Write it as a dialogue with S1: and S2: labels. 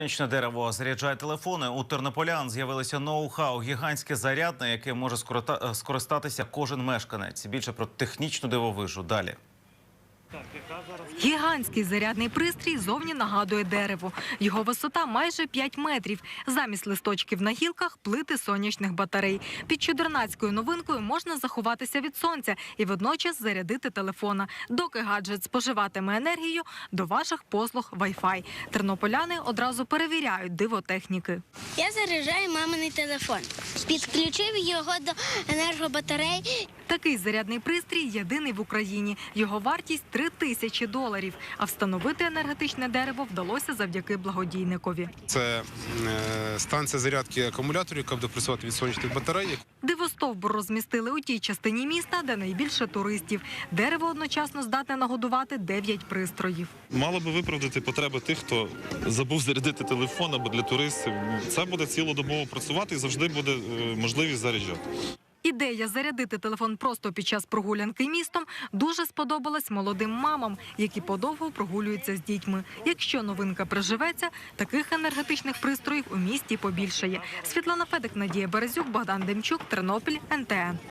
S1: Сонячне дерево заряджає телефони. У тернополян з'явилося ноу-хау – гігантське зарядне, яке може скористатися кожен мешканець. Більше про технічну дивовижу далі.
S2: Гігантський зарядний пристрій зовні нагадує дерево. Його висота майже 5 метрів. Замість листочків на гілках – плити сонячних батарей. Під чудернацькою новинкою можна заховатися від сонця і водночас зарядити телефона. Доки гаджет споживатиме енергію, до ваших послуг Wi-Fi. Тернополяни одразу перевіряють диво техніки.
S3: Я заряджаю маминий телефон. Підключив його до енергобатарей.
S2: Такий зарядний пристрій єдиний в Україні. Його вартість – $3000. А встановити енергетичне дерево вдалося завдяки благодійникові.
S4: Це станція зарядки акумуляторів, яка буде працювати від сонячних батарей.
S2: Дивостовбур розмістили у тій частині міста, де найбільше туристів. Дерево одночасно здатне нагодувати 9 пристроїв.
S5: Мало би виправдати потреби тих, хто забув зарядити телефон або для туристів. Це буде цілодобово працювати і завжди буде можливість заряджати.
S2: Ідея зарядити телефон просто під час прогулянки містом дуже сподобалась молодим мамам, які подовго прогулюються з дітьми. Якщо новинка приживеться, таких енергетичних пристроїв у місті побільшає. Світлана Федик, Надія Березюк, Богдан Демчук, Тернопіль, НТН.